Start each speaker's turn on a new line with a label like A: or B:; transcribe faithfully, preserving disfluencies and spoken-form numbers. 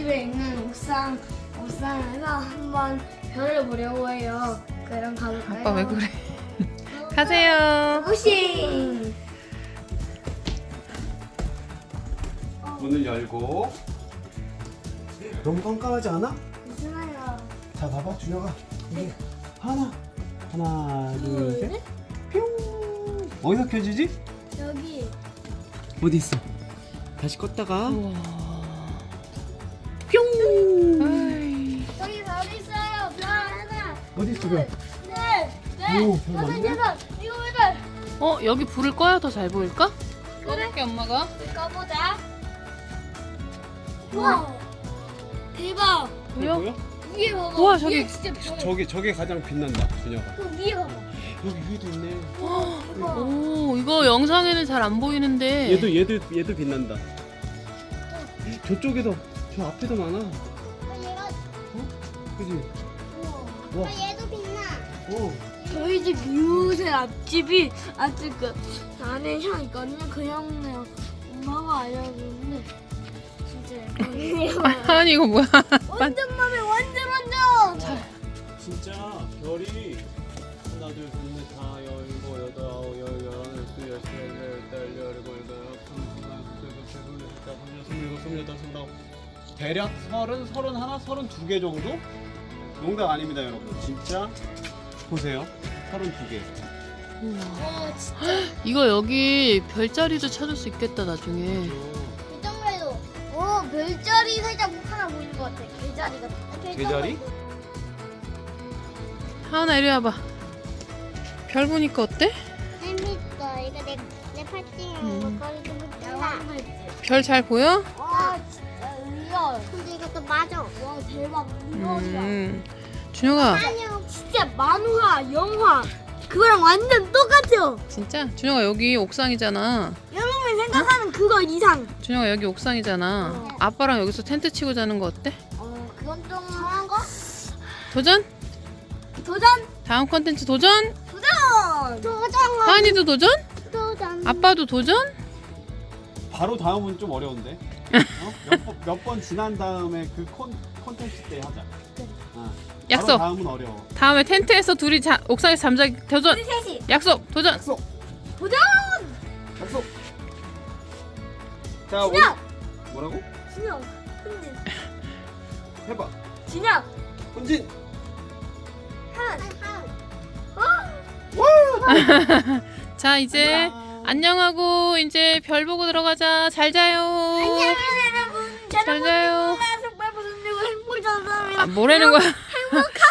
A: 집에 있는 옥상 옥상에서 한번 별을 보려고 해요. 그럼 가볼까요?
B: 아빠 왜 그래? 가세요.
A: 고싱.
C: 문을 열고. 너무 깜깜하지 않아?
A: 괜찮아요.
C: 자, 봐봐, 준혁아. 이게 하나, 하나, 둘, 셋. 뿅. 어디서 켜지지?
A: 여기.
C: 어디 있어? 다시 껐다가.
B: 우와.
C: 뿅.
B: 아이.
A: 여기 별 있어요. 별 하나.
C: 어디 있어, 별?
A: 네. 네.
C: 오, 별
A: 여섯
C: 많네?
A: 여섯. 일곱 여덟.
B: 어 여기 불을 꺼야 더 잘 보일까?
A: 그래.
B: 꺼볼게 엄마가.
A: 꺼보자. 우와. 대박.
B: 보여?
C: 보여?
A: 위에 봐봐.
B: 우와,
A: 위에
B: 저기.
A: 진짜 별.
C: 저게 저게 가장 빛난다, 준혁아.
A: 그 위에 봐봐.
C: 여기 위에도 있네.
A: 대박.
B: 오 이거 영상에는 잘 안 보이는데.
C: 얘도 얘도 얘도 빛난다. 저쪽에도 저 앞에도 많아.
A: 얘가
C: 그지?
A: 우와.
C: 와.
A: 얘도 빛나.
C: 어.
A: 저희 집 이웃의 앞집이 아직 그 안에 향 있거든요. 그 향내요. 엄마가 알려줬는데 진짜 예뻐요.
B: 아니 이거 뭐야?
A: 완전 맘에 완전 완전.
C: 진짜 별이 하나 둘셋넷 다 열고 여덟 아홉 열 열하나 열둘 열세 열여덟 열일곱 여덟 아홉 스물 스물 스물 스물 여덟 스물 아홉 대략 서른 서른 하나 서른 두 개 정도? 농담 아닙니다, 여러분. 진짜 보세요. 서른 두 개.
A: 와 진짜
B: 이거 여기 별자리도 찾을 수 있겠다 나중에.
A: 이 정도에도 오 별자리 살짝 하나 보이는 것 같아. 개자리 같아.
C: 개자리?
B: 하은아 이리 와봐. 별 보니까 어때?
A: 재밌어. 이거 내 내 팔찌랑 거리 좀 붙여라.
B: 별 잘 보여?
A: 와 진짜 리얼. 근데 이것도 맞아. 와 대박 리얼이야.
B: 음. 준혁아
A: 아니요. 진짜 만화, 영화 그거랑 완전 똑같아요.
B: 진짜? 준혁아 여기 옥상이잖아.
A: 여러분이 생각하는 그거 이상.
B: 준혁아 여기 옥상이잖아.
A: 어.
B: 아빠랑 여기서 텐트 치고 자는 거 어때?
A: 어, 그건 좀 강한 거?
B: 도전?
A: 도전!
B: 다음 컨텐츠 도전?
A: 도전! 도전!
B: 하은이도 도전?
A: 도전!
B: 아빠도 도전?
C: 바로 다음은 좀 어려운데. 어? 몇 번 몇 번 지난 다음에 그 콘 콘텐츠 때 하자. 어.
B: 약속.
C: 바로 다음은 어려워.
B: 다음에 텐트에서 둘이 자, 옥상에서 잠자기 도전.
A: 우리 셋이
B: 약속 도전.
C: 약속.
A: 도전!
C: 약속. 자, 오,
A: 진혁!
C: 뭐라고?
A: 진혁! 훈진!
C: 해봐.
A: 진혁!
C: 훈진.
A: 한! 한!
B: 자 이제 안녕하고 이제 별 보고 들어가자. 잘 자요.
A: 안녕 여러분!
B: 잘 자요.
A: 정말 무슨 일고 행복한 사람이라
B: 아, 뭐라는 거야?
A: 행복한